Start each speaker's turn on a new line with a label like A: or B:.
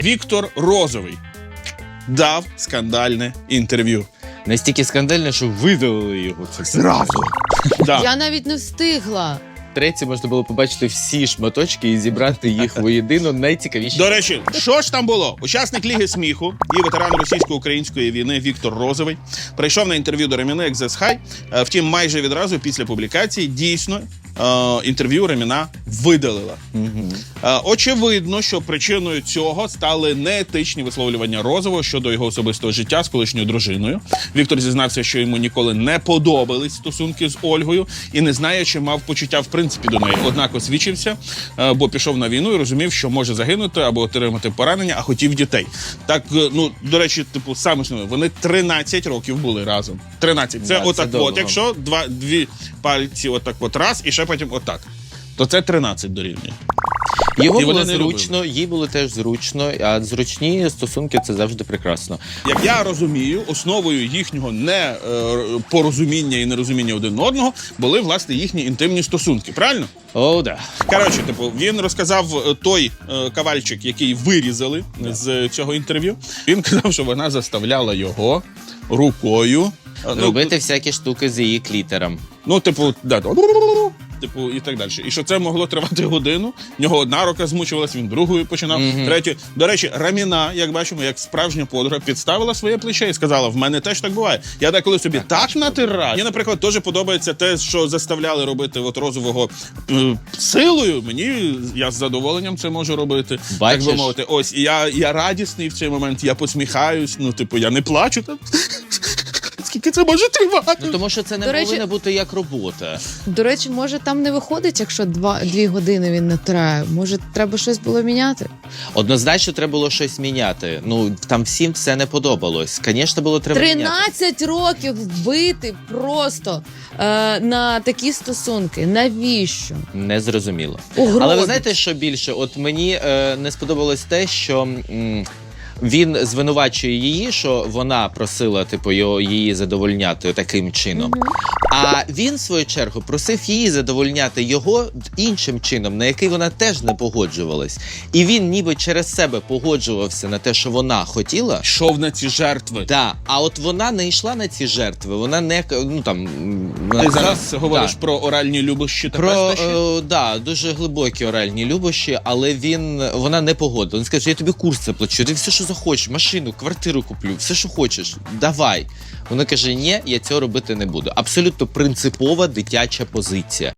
A: Віктор Розовий дав скандальне інтерв'ю.
B: Настільки скандальне, що видалили його.
A: Зразу. Да.
C: Я навіть не встигла.
B: Третє можна було побачити всі шматочки і зібрати їх воєдино найцікавіші.
A: До речі, що ж там було? Учасник Ліги сміху і ветеран російсько-української війни Віктор Розовий прийшов на інтерв'ю до Реміни як The Sky. Втім, майже відразу після публікації дійсно інтерв'ю Реміна видалила. Очевидно, що причиною цього стали неетичні висловлювання Розового щодо його особистого життя з колишньою дружиною. Віктор зізнався, що йому ніколи не подобались стосунки з Ольгою і не знає, чи мав почуття в принципі до неї. Однак освічився, бо пішов на війну і розумів, що може загинути або отримати поранення, а хотів дітей. Так, ну, до речі, типу, саме основне, вони 13 років були разом. 13. Це
B: Да,
A: отак
B: це
A: от, якщо дві пальці отак от раз, і ще потім отак. То це 13 дорівнює.
B: Його
A: І
B: було
A: вони не
B: зручно, їй було теж зручно, а зручні стосунки – це завжди прекрасно.
A: Як я розумію, основою їхнього непорозуміння і нерозуміння один одного були, власне, їхні інтимні стосунки. Правильно?
B: О, да.
A: Коротше, типу, він розказав той кавальчик, який вирізали з цього інтерв'ю. Він казав, що вона заставляла його рукою
B: Робити всякі штуки з її клітером.
A: Ну, типу, да, типу, і так далі. І що це могло тривати годину. В нього одна рука змучувалась, він другою починав, третю. До речі, Раміна, як бачимо, як справжня подруга, підставила своє плече і сказала, в мене теж так буває. Я деколи собі так натираю. Мені, наприклад, теж подобається те, що заставляли робити от Розового силою. Мені, я з задоволенням це можу робити.
B: Бачиш?
A: Так би мовити. Ось, і я радісний в цей момент, я посміхаюсь, ну, типу, я не плачу. Скільки це може тривати?
B: Ну, тому що це не
C: До речі-
B: повинна бути як робота.
C: До речі, може там не виходить, якщо 2 години він натирає. Може, треба щось було міняти?
B: Однозначно треба було щось міняти. Ну, там всім все не подобалось. Звісно, було треба міняти.
C: 13 років вбити просто на такі стосунки. Навіщо?
B: Незрозуміло.
C: Угробить.
B: Але ви знаєте, що більше? От мені не сподобалось те, що він звинувачує її, що вона просила типу, її задовольняти таким чином. А він, в свою чергу, просив її задовольняти його іншим чином, на який вона теж не погоджувалась. І він ніби через себе погоджувався на те, що вона хотіла.
A: Йшов на ці жертви.
B: Да, а от вона не йшла на ці жертви, вона не, ну там...
A: Ти зараз говориш про оральні любощі та пестощі?
B: Да, дуже глибокі оральні любощі, але вона не погодила. Він скаже, я тобі курс заплачу, ти все, що захочеш, машину, квартиру куплю, все, що хочеш, давай. Вона каже, ні, я цього робити не буду. Абсолютно принципова дитяча позиція.